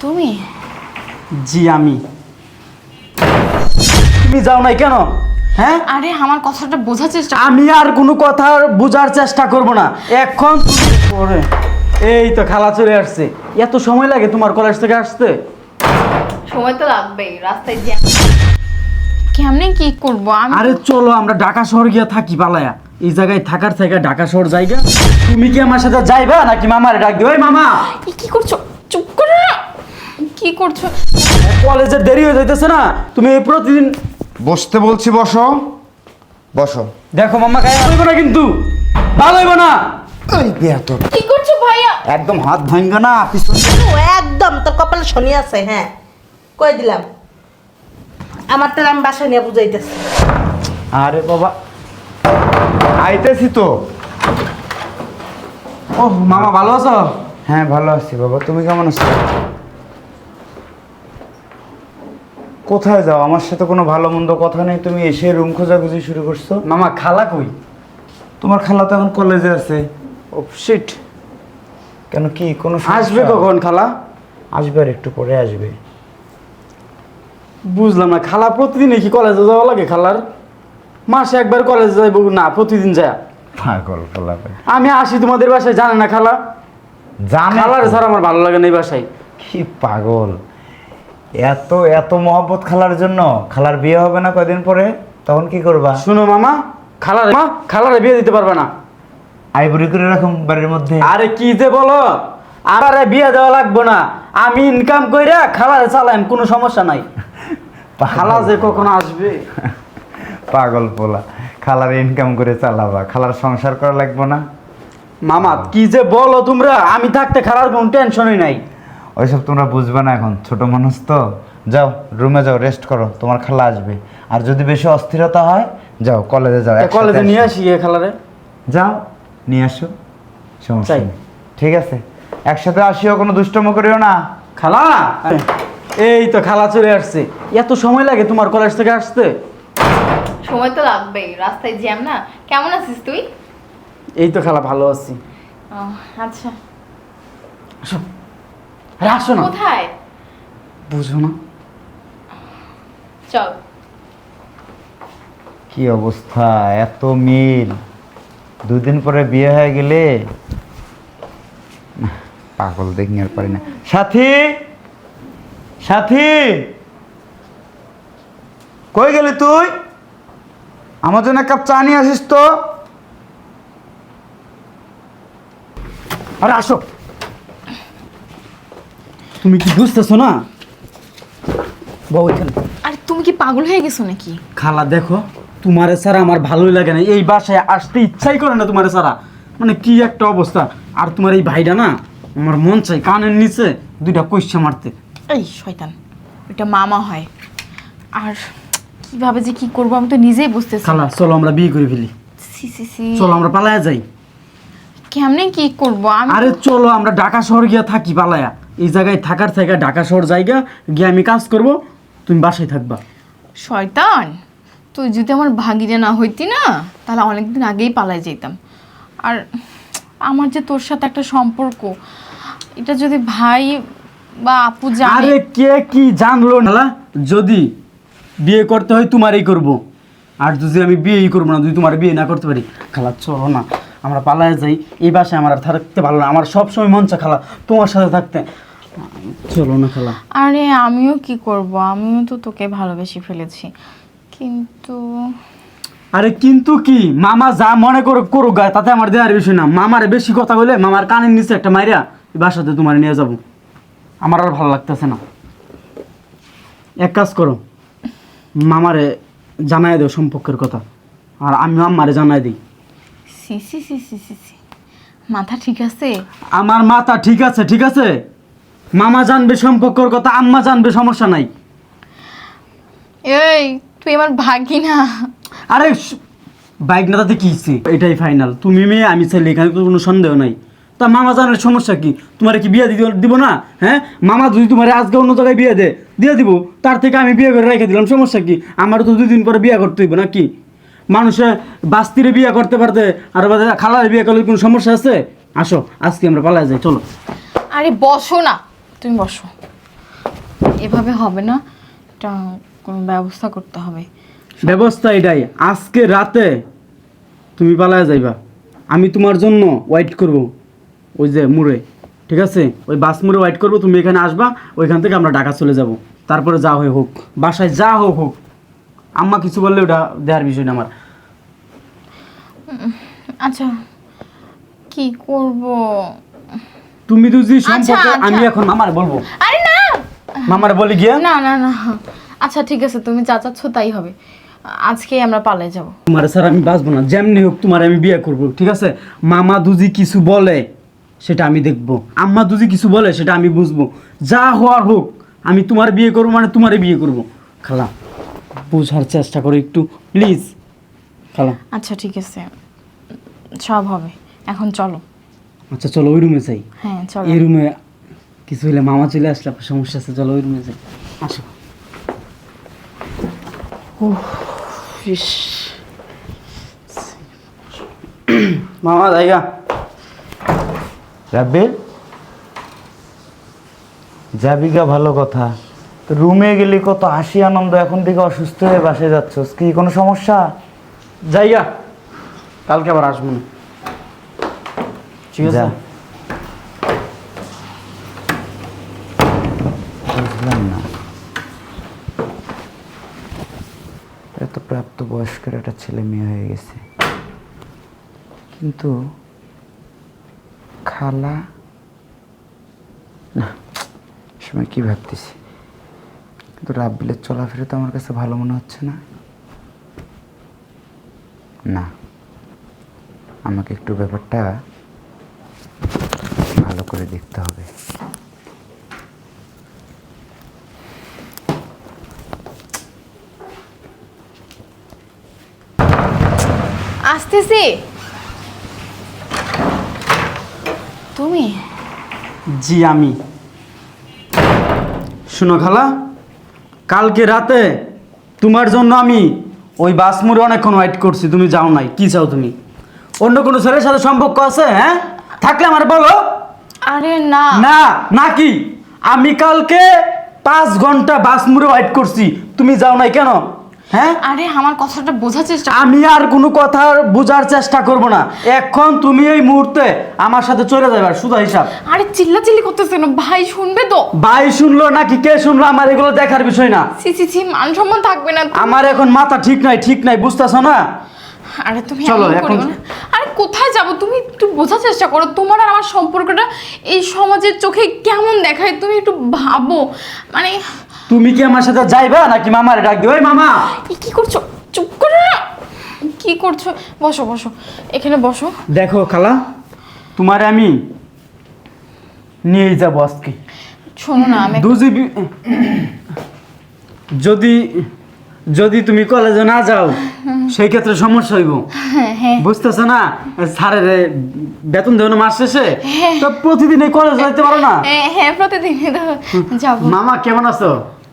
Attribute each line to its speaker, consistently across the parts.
Speaker 1: তুমি?
Speaker 2: জি আমি। তুমি যাও নাই কেন? হ্যাঁ,
Speaker 1: আরে আমার কথাটা বোঝার চেষ্টা
Speaker 2: আমি আর কোনো কথা বোঝার চেষ্টা করব না এখন। পরে এই তো খালা চলে আসছে। এত সময় লাগে তোমার কলেজ থেকে আসতে?
Speaker 1: সময় তো লাগবেই, রাস্তায় জ্যাম। কেমনে কি করব আমি?
Speaker 2: আরে চলো আমরা ঢাকা শহর গিয়া থাকি পালায়া। এই জায়গায় থাকার থেকে ঢাকা শহর জায়গা। তুমি কি আমার সাথে যাইবা নাকি মামারে ডাক দিও? ওই মামা,
Speaker 1: কি করছো? চুপ করো না। কি করছো?
Speaker 2: কলেজের দেরি হয়ে যাইতেছে না? তুমি প্রতিদিন
Speaker 3: বসতে বলছি, বসো বসো।
Speaker 2: দেখো মামা, গায়ে হইব না কিন্তু, ভালো হইব না।
Speaker 3: এই বেয়াদব,
Speaker 1: কি করছো ভাইয়া?
Speaker 3: একদম হাত ভাঙ্গা না পিছন।
Speaker 4: ও একদম তোর কপালে শনি আছে। হ্যাঁ, কই দিলাম। আমার তো আমি বাসা নিয়ে বুঝাইতেছি।
Speaker 3: আরে বাবা, আইতেছি তো।
Speaker 2: ও মামা, ভালো আছো?
Speaker 3: হ্যাঁ ভালো আছি বাবা, তুমি কেমন আছো? কোথায় যাও? আমার সাথে কোনো ভালো মন্দ কথা নেই, তুমি এসে রুম খোঁজাখুঁজি শুরু করছো।
Speaker 2: মামা, খালা কই?
Speaker 3: তোমার খালা তো এখন কলেজে আছে।
Speaker 2: Oh shit.
Speaker 3: কেন, কি কোনো সমস্যা?
Speaker 2: আসবে কখন খালা?
Speaker 3: আসবে আর একটু পরে আসবে।
Speaker 2: বুঝলাম না, খালা প্রতিদিন কি কলেজে যাওয়া লাগে খালার? মাসে একবার কলেজে যাইব না, প্রতিদিন যায়?
Speaker 3: পাগল খালা।
Speaker 2: আমি আসি তোমাদের বাসায়, জানে না খালা?
Speaker 3: জানে
Speaker 2: খালার
Speaker 3: তো।
Speaker 2: স্যার আমার ভালো লাগে না এই বাসায়।
Speaker 3: কি পাগল, এত এত মহব্বত খালার জন্য। খালার বিয়ে হবে না কয়দিন পরে, তখন কি করবা?
Speaker 2: শুনো মামা, খালারে বিয়ে দিতে পারবে না।
Speaker 3: আইবুড়ি করে রাখুন বাড়ির মধ্যে।
Speaker 2: আরে কি যে বলো, আমারে বিয়ে দেওয়া লাগবে না, আমি ইনকাম কইরা খালারে চালাইম, কোনো সমস্যা নাই। খালা যে কখন আসবে?
Speaker 3: পাগল পোলা, খালার ইনকাম করে চালাবা, খালার সংসার করা লাগবে না।
Speaker 2: মামা কি যে বলো তোমরা, আমি থাকতে খালার কোনো টেনশনই নাই।
Speaker 3: ওইসব তোমরা বুঝবে না, এখন ছোট মানুষ তো। যাও রুমে যাও, রেস্ট করো, তোমার খালা আসবে। আর যদি বেশি অস্থিরতা হয়, যাও কলেজে যাও, একসাথে
Speaker 2: কলেজে নিয়ে
Speaker 3: আসো।
Speaker 2: আসি খালারে।
Speaker 3: যাও নিয়ে আসো, সমস্যা
Speaker 2: চাই।
Speaker 3: নেই। ঠিক আছে, একসাথে আসিও, কোনো দুষ্টম করিও না।
Speaker 2: খালা, এই তো খালা চলে আসছে। এত সময় লাগে তোমার কলেজ থেকে আসতে?
Speaker 1: সময় তো লাগবেই, রাস্তায় জ্যাম না। কেমন আছিস তুই?
Speaker 2: এই তো খালা, ভালো আছি।
Speaker 1: ও আচ্ছা।
Speaker 2: আসো, আরে আসো না।
Speaker 1: কোথায়?
Speaker 2: বুঝো না?
Speaker 1: চল।
Speaker 3: কি অবস্থা, এত মিল, দুদিন পরে বিয়ে হয়ে গেলে। পাগল দেখনি আর পারি না। সাথী, সাথী, কই গেলি তুই? আমার জন্য এক কাপ চা নিয়ে আসিস তো।
Speaker 2: আরে আসো। তুমি কি বুঝতেছো না? বউ এখানে।
Speaker 1: আরে তুমি কি পাগল হয়ে গেছো নাকি?
Speaker 2: খালা দেখো, তোমারে ছাড়া আমার ভালোই লাগে না, এই বাসায় আসতে ইচ্ছাই করে না তোমারে ছাড়া। মানে কি একটা অবস্থা। আর তোমার এই ভাইটা না, আমার মন চাই কানের নিচে দুইটা কইসা মারতে।
Speaker 1: এই শয়তান, ওটা মামা হয়। আর কিভাবে যে কি করবো আমি তো নিজেই বুঝতেছি
Speaker 2: খালা
Speaker 1: না।
Speaker 2: চলো আমরা বিয়ে করে ফেলি।
Speaker 1: সি সি সি।
Speaker 2: চলো আমরা পালায়া যাই।
Speaker 1: কেমনে কি করবো আমি?
Speaker 2: আরে চলো আমরা ঢাকা শহর গিয়া থাকি পালায়া। এই জায়গায় থাকার থেকে ঢাকা শহর জায়গা গিয়ে আমি কাজ করব, তুমি বাসায় থাকবা।
Speaker 1: শয়তান, তুই যদি আমার ভাগিনা না হইতি না, তাহলে অনেকদিন আগেই পালাই যেতাম। আর আমার যে তোর সাথে একটা সম্পর্ক, এটা যদি ভাই বা আপু জানে।
Speaker 2: আরে কে কি জানলো না? যদি বিয়ে করতে হয় তোমারই করব, আর যদি আমি বিয়েই করবো না, যদি তোমার বিয়ে না করতে পারি। খালা চলো না, আমরা পালায় যাই। এই বাসায় আমার আর থাকতে ভালো না, আমার সবসময় মন চায় খালা তোমার সাথে থাকতে। চলো না খালা।
Speaker 1: আরে আমিও কি করব, আমিও তো তোকে ভালোবেসে ফেলেছি, কিন্তু
Speaker 2: আরে কিন্তু কি, মামা যা মনে করো করুক গায়ে, তাতে আমার দেওয়ার বিষয় না। মামারে বেশি কথা বলে মামার কানের নিচে একটা মাইরা এই বাসাতে তোমার নিয়ে যাব। আমার আর ভালো লাগতেছে না। এক কাজ করো, মামারে জানাই দাও সম্পর্কের কথা, আর আমি আম্মারে জানাই দিই।
Speaker 1: সি সি সি সি সি সি, মাথা ঠিক আছে?
Speaker 2: আমার মাথা ঠিক আছে, ঠিক আছে। মামা জানবে সম্পর্কের কথা, আম্মা জানবে, সমস্যা নাই।
Speaker 1: এই তুই আমার ভাগিনা।
Speaker 2: আরে বাইক না তাতে কি হইছে? এটাই ফাইনাল, তুমি মেয়ে আমি ছেলে, এখানে তো কোনো সন্দেহ নাই। তা মামা জানার সমস্যা কি? তোমার কি বিয়ে দিব না? হ্যাঁ, মামা যদি তোমার আজকে অন্য জায়গায় বিয়ে দিয়ে দিব, তার থেকে আমি বিয়ে করে রেখে দিলাম, সমস্যা কি? আমারও তো 2 দিন পরে বিয়ে করতে হইব নাকি? মানুষে বাস্তিরে বিয়ে করতে পারতে, আর খালারে বিয়ে করলে কোনো সমস্যা আছে? আসো আজকে আমরা পালায় যাই, চলো।
Speaker 1: আরে বসো না, তুমি বসো। এভাবে হবে না, এটা কোনো ব্যবস্থা করতে হবে।
Speaker 2: ব্যবস্থা এটাই, আজকে রাতে তুমি পালায় যাইবা, আমি তোমার জন্য ওয়েট করব ওই যে মুড়ে, ঠিক আছে? ওই বাস মুড়ে ওয়েট করবো, তুমি এখানে আসবা, ওইখান থেকে আমরা ঢাকা চলে যাব। তারপরে যা হয় হোক, বাসায় যা হোক হোক, আম্মা কিছু বললে ওটা দেওয়ার বিষয় না আমার।
Speaker 1: আচ্ছা কি করব?
Speaker 2: তুমি দুজি
Speaker 1: আচ্ছা,
Speaker 2: সম্পর্কে
Speaker 1: আচ্ছা।
Speaker 2: আমি এখন মামার বলবো,
Speaker 1: আরে না
Speaker 2: মামার বলি গিয়া।
Speaker 1: না না না, আচ্ছা ঠিক আছে, তুমি যা চাচ্ছ তাই হবে, আজকেই আমরা পালিয়ে যাব।
Speaker 2: তোমার স্যার আমি বাঁচবো না, যেমনি হোক তোমার আমি বিয়ে করব, ঠিক আছে? মামা দুজি কিছু বলে সেটা আমি দেখবো, আম্মা দুজি কিছু বলে সেটা আমি বুঝবো, যা হওয়ার হোক আমি তোমার বিয়ে করবো, মানে তোমারই বিয়ে করব। খালা বোঝার চেষ্টা করো একটু প্লিজ খালা।
Speaker 1: আচ্ছা ঠিক আছে, সব হবে, এখন চলো।
Speaker 2: আচ্ছা চলো ওই রুমে যাই।
Speaker 1: হ্যাঁ চলো।
Speaker 2: এই রুমে কিছু হলে মামা চলে আসলে আপনার সমস্যা আছে, চলো ওই রুমে যাই। আসো।
Speaker 1: ইস,
Speaker 2: মামা জায়গা
Speaker 3: রাব্বিল, যাবি গা ভালো কথা, তো রুমে গেলি কত হাসি আনন্দ, এখন থেকে অসুস্থ হয়ে বাসে যাচ্ছস, কি কোনো সমস্যা?
Speaker 2: জায়গা, কালকে আবার আসবো না, ঠিক আছে?
Speaker 3: যা। বুঝলাম না, এত প্রাপ্ত বয়স্কের একটা ছেলে মেয়ে হয়ে গেছে, কিন্তু খালা না, সময় কি ভাবতেছি, কিন্তু রাব্বিলের চলাফেরা তো আমার কাছে ভালো মনে হচ্ছে না। না, আমাকে একটু ব্যাপারটা ভালো করে দেখতে হবে।
Speaker 1: আসতেছি। তুমি?
Speaker 2: জি আমি। শুনো খালা, কালকে রাতে তোমার জন্য আমি ওই বাস মোড়ে অনেকক্ষণ ওয়েট করছি, তুমি যাও নাই। কি চাও তুমি? অন্য কোনো ছেলের সাথে সম্পর্ক আছে? হ্যাঁ, থাকলে আমার বলো।
Speaker 1: আরে না
Speaker 2: না না কি, আমি কালকে 5 ঘন্টা বাস মোড়ে ওয়েট করছি, তুমি যাও নাই কেন? হ্যাঁ,
Speaker 1: আরে আমার কথাটা বোঝার চেষ্টা
Speaker 2: আমি আর কোনো কথা বোঝার চেষ্টা করব না, এখন তুমি এই মুহূর্তে আমার সাথে চলে যাবে, শুধু হিসাব।
Speaker 1: আরে চিল্লাচিল্লি করতেছে না, ভাই শুনবে তো।
Speaker 2: ভাই শুনলো নাকি কে শুনলো আমার এগুলো দেখার বিষয় না।
Speaker 1: সি সি সি, মান সম্মান থাকবে না।
Speaker 2: আমার এখন মাথা ঠিক নাই বুঝতেছো না?
Speaker 1: আরে তুমি
Speaker 2: চলো,
Speaker 1: এমন
Speaker 2: এখন-
Speaker 1: করিও না। আরে কোথায় যাব, তুমি একটু বোঝার চেষ্টা করো, তোমার আর আমার সম্পর্কটা এই সমাজের চোখে কেমন দেখায় তুমি একটু ভাবো। মানে
Speaker 2: তুমি কি আমার সাথে যাইবা নাকি মামারে ডাক দিও? ওই মামা,
Speaker 1: এই কি করছো? চুপ করো না, কি করছো? বসো বসো, এখানে বসো।
Speaker 2: দেখো খালা, তোমারে আমি নিয়ে যাবো আজকে।
Speaker 1: শোনো না, আমি
Speaker 2: দুজি যদি যদি তুমি কলেজে না যাও সেই ক্ষেত্রে সমস্যা হইব,
Speaker 1: হ্যাঁ
Speaker 2: বুঝতেছো না? স্যারের বেতন দেবো না মাস শেষে, তো প্রতিদিন এই কলেজ যাইতে পারো না।
Speaker 1: হ্যাঁ প্রতিদিন যাবো।
Speaker 2: মামা কেমন আছো?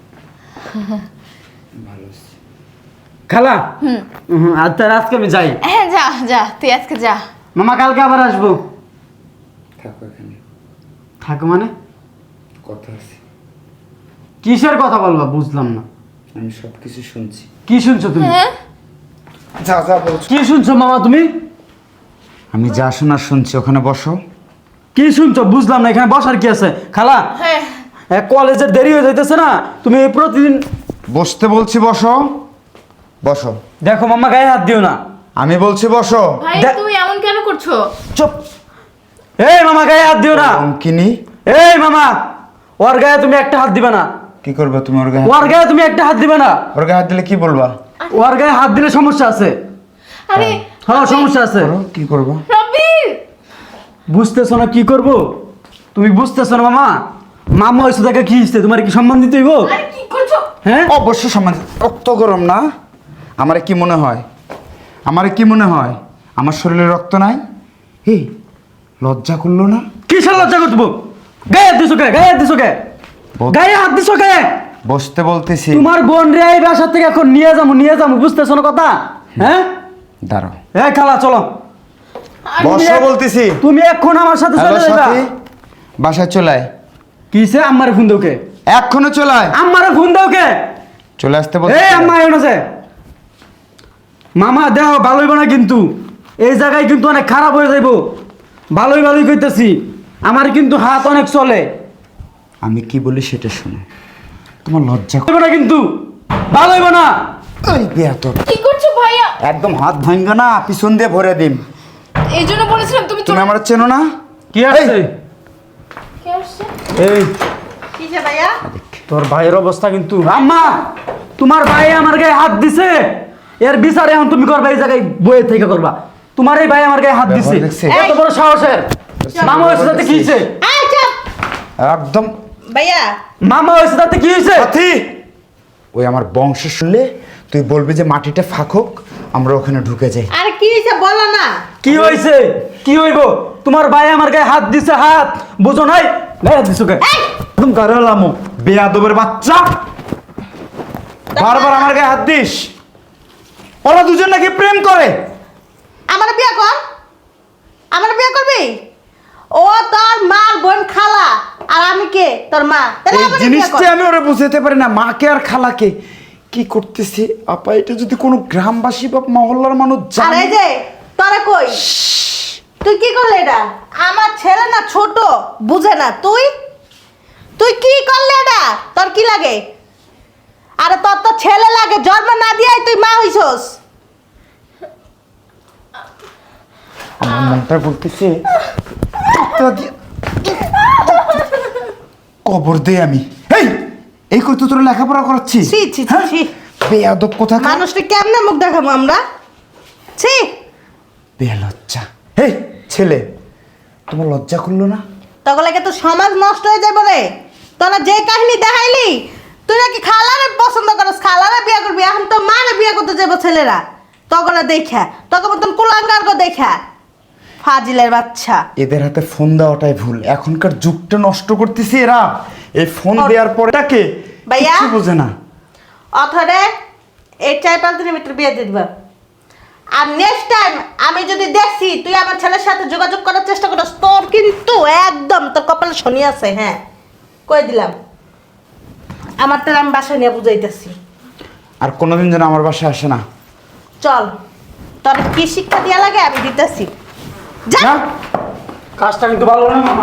Speaker 2: খালা আর তার আজকে আমি যাই।
Speaker 1: হ্যাঁ যা যা, তুই আজকে যা।
Speaker 2: মামা কালকে আবার আসবো।
Speaker 3: থাকো এখানে,
Speaker 2: থাকো মানে?
Speaker 3: কথা আছে,
Speaker 2: কিসের কথা বলবা বুঝলাম না।
Speaker 3: আমি সব কিছু শুনছি।
Speaker 2: কি শুনছো তুমি?
Speaker 1: হ্যাঁ
Speaker 3: যা যা বলছো।
Speaker 2: কি শুনছো মামা তুমি?
Speaker 3: আমি যা শোনার শুনছি, ওখানে বসো।
Speaker 2: কি শুনছো বুঝলাম না, এখানে বসার কি আছে? খালা
Speaker 1: হ্যাঁ
Speaker 2: কলেজের দেরি হয়ে যাইতেছে না, তুমি প্রতিদিন
Speaker 3: বসতে বলছি, বসো বসো।
Speaker 2: দেখো মামা গায়ে হাত দিও না।
Speaker 3: আমি বলছি বসো।
Speaker 1: ভাই, তুমি এমন কেন করছো?
Speaker 2: চুপ। এই মামা গায়ে হাত দিও না।
Speaker 3: অঙ্কিনী,
Speaker 2: এই মামা, ওর গায়ে তুমি একটা হাত দিবে না।
Speaker 3: কি করবে তুমি ওর গায়ে?
Speaker 2: ওর গায়ে তুমি একটা হাত দিবে না।
Speaker 3: ওর গায়ে হাত দিলে কি বলবা?
Speaker 2: ওর গায়ে হাত দিলে সমস্যা আছে।
Speaker 1: আরে
Speaker 2: হ্যাঁ সমস্যা আছে।
Speaker 3: করো, কি করবা?
Speaker 1: রবির,
Speaker 2: বুঝতেছো না কি করব? তুমি বুঝতেছো না মামা? মামা হয়েছে তাকে কি ইচ্ছে, তোমার কি সম্মান দিতে হইব?
Speaker 1: আরে কি করছো?
Speaker 2: হ্যাঁ,
Speaker 3: অবশ্য সমাজ রক্ত গরম না। আমারে কি মনে হয়, আমারে কি মনে হয় আমার শরীরে রক্ত নাই? এই লজ্জা করলো না?
Speaker 2: কিসের লজ্জা করবো? গায়ে হাত দিছো কে? গায়ে হাত দিছো কে? গায়ে হাত দিছো কে?
Speaker 3: বসতে বলতেছি।
Speaker 2: তোমার বোন রে এই বাসা থেকে এখন নিয়ে যাবো, বুঝতেছো না কথা? হ্যাঁ,
Speaker 3: দাঁড়াও,
Speaker 2: এই খালা চলো।
Speaker 3: বসো বলতেছি।
Speaker 2: তুমি এখন আমার সাথে
Speaker 3: হ্যালো
Speaker 2: চলে যাবা।
Speaker 3: সাথী, বাসায় চলে আয়।
Speaker 2: কিসে আমার ফোন দোকে?
Speaker 3: এক্ষুনি চলে আয়।
Speaker 2: আমারে ফোন দাও কে?
Speaker 3: চলে আসতে বল।
Speaker 2: এই আম্মা এমন আছে মামা দেহ ভালোই না কিন্তু এই জায়গায় কিন্তু অনেক খারাপ হয়ে যাইব। ভালোই কইতেছি, আমার কিন্তু হাত অনেক চলে।
Speaker 3: আমি কি বলি সেটা শোনো। তোমার লজ্জা
Speaker 2: হইব না কিন্তু ভালো হইব না।
Speaker 3: ওই বেয়াদব,
Speaker 1: কি করছো ভাইয়া?
Speaker 3: একদম হাত ভাঙ্গা না, পিছন দিয়ে ভরে দিম।
Speaker 1: এই জন্য বলেছিলাম তুমি
Speaker 3: তুমি আমার চেনো না?
Speaker 2: কি আছে?
Speaker 1: কে আসছে?
Speaker 2: এই
Speaker 4: কি যে ভাইয়া?
Speaker 2: তোর ভাইয়ের অবস্থা কিন্তু। আম্মা তোমার ভাই আমার গায়ে হাত দিছে, এর বিচার এখন তুমি করবা, এই জায়গায় বইয়ে থেকে করবা। তোমার এই ভাই আমার গায়ে হাত দিছে,
Speaker 3: ব্যবহার দেখছে?
Speaker 2: এত বড় সাহসের। মামা হয়েছে তাতে কি হয়েছে?
Speaker 4: এই চুপ!
Speaker 3: একদম
Speaker 4: ভাইয়া
Speaker 2: মামা হয়েছে তাতে কি হয়েছে?
Speaker 3: সাথী, ওই আমার বংশ শুনলে তুই বলবি যে মাটিটা ফাঁক হোক, আমরা ওখানে ঢুকে যাই।
Speaker 4: আর কি হয়েছে বলো না।
Speaker 2: কি হয়েছে? কি হইব? তোমার ভাই আমার গায়ে হাত দিছে, হাত বুঝো নাই? গায়ে হাত দিছো কে? একদম গারালামো
Speaker 3: বেয়াদবের বাচ্চা, বারবার আমার গায়ে হাত দিস। ওরা দুজন নাকি প্রেম করে।
Speaker 4: আমার বিয়ে কর, আমার বিয়ে করবি? ও তোর মার বোন খালা, আর আমি কে? তোর মা। তাহলে
Speaker 3: এই
Speaker 4: আমার বিয়ে
Speaker 3: জিনিসটা
Speaker 4: কর।
Speaker 3: আমি ওরা বুঝাতে পারি না, মাকে আর খালাকে। কি করতেছি আপা, এটা যদি কোনো গ্রামবাসী বা মহল্লার মানুষ
Speaker 4: আর
Speaker 3: জানে।
Speaker 4: এই যে তোরা কই, তুই কি করলি এটা? আমার ছেলে না ছোট, বুঝে না। তুই তুই কি করলি এটা? তোর কি লাগে? আরে তোর তো ছেলে লাগে, জন্ম না দিয়াই তুই মা হইছস।
Speaker 3: আমার মনটা বলতেছে কবর দে আমি। এই কই তো তোর লেখাপড়া করাচ্ছি।
Speaker 4: ছি ছি ছি ছি।
Speaker 3: বেয়াদব কোথা।
Speaker 4: মানুষটা কেমনে মুখ দেখাবো আমরা? ছি।
Speaker 3: বেলজ্জা। হেই ছেলে, তোমার লজ্জা করলো না?
Speaker 4: তখন লাগে তো সমাজ নষ্ট হয়ে যাবে রে। তোরা যে কাহিনী দেখাইলি, তুই নাকি খালারে পছন্দ করস, খালারে বিয়ে করবি। এখন তো মারে বিয়ে করতে যাবো ছেলেরা। তখন দেখা তখন মতন কুলাঙ্গার গো দেখা, ফাজিলের বাচ্চা।
Speaker 3: এদের হাতে ফোন দেওয়াটাই ভুল। এখনকার যুগটা নষ্ট করতেছি এরা। এই ফোন
Speaker 4: ওর-
Speaker 3: দেওয়ার পরে তাকে
Speaker 4: ভাইয়া?
Speaker 3: কিচ্ছু বোঝে না।
Speaker 4: অথরে এই 4-5 দিনের ভিতরে বিয়ে দিয়ে দিবা। আর নেক্সট টাইম আমি যদি দেখছি তুই আমার ছেলের সাথে যোগাযোগ করার চেষ্টা করিস, তোর কিন্তু একদম তোর কপালে শনি আছে। হ্যাঁ, কই দিলাম। আমারটা আমি বাসায় নিয়ে বুঝাইতেছি।
Speaker 3: আর কোনোদিন যেন আমার বাসায় আসে না।
Speaker 4: চল, তোর কি শিক্ষা দেওয়া লাগে আমি দিতেছি। যা।
Speaker 3: না,
Speaker 2: কাজটা কিন্তু ভালো না মামা।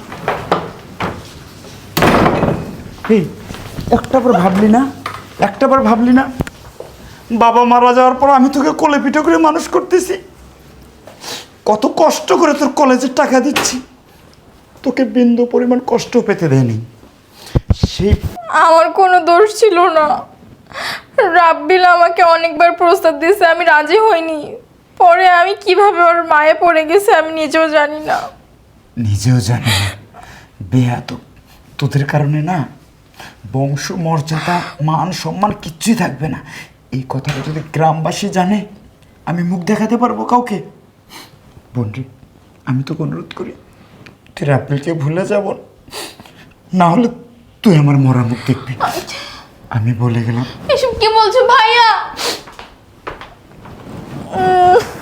Speaker 3: এই একটাবার ভাবলি না, একটাবার ভাবলি না বাবা মারা যাওয়ার পর আমি তোকে কোলে পিঠে করে মানুষ করতেছি। কত কষ্ট করে তোর কলেজের টাকা দিচ্ছি, তোকে বিন্দু পরিমাণ কষ্ট পেতে দেয়নি। সেই
Speaker 1: আমার কোনো দোষ ছিল না। রাব্বিল আমাকে অনেকবার প্রস্তাব দিয়েছে, আমি রাজি হইনি। পরে আমি কিভাবে ওর মায়ে পড়ে গেছে আমি নিজেও জানি না।
Speaker 3: নিজেও জানি না। বেয়াদব, তোদের কারণে না বংশ মর্যাদা মান সম্মান কিচ্ছুই থাকবে না। এই কথাটা যদি গ্রামবাসী জানে, আমি মুখ দেখাতে পারবো কাউকে? বোনরে, আমি তোকে অনুরোধ করি, তুই রাব্বিলকে ভুলে যাব না, হলে তুই আমার মরা মুখ দেখবি। আমি বলে গেলাম।
Speaker 1: এসব কি বলছো ভাইয়া?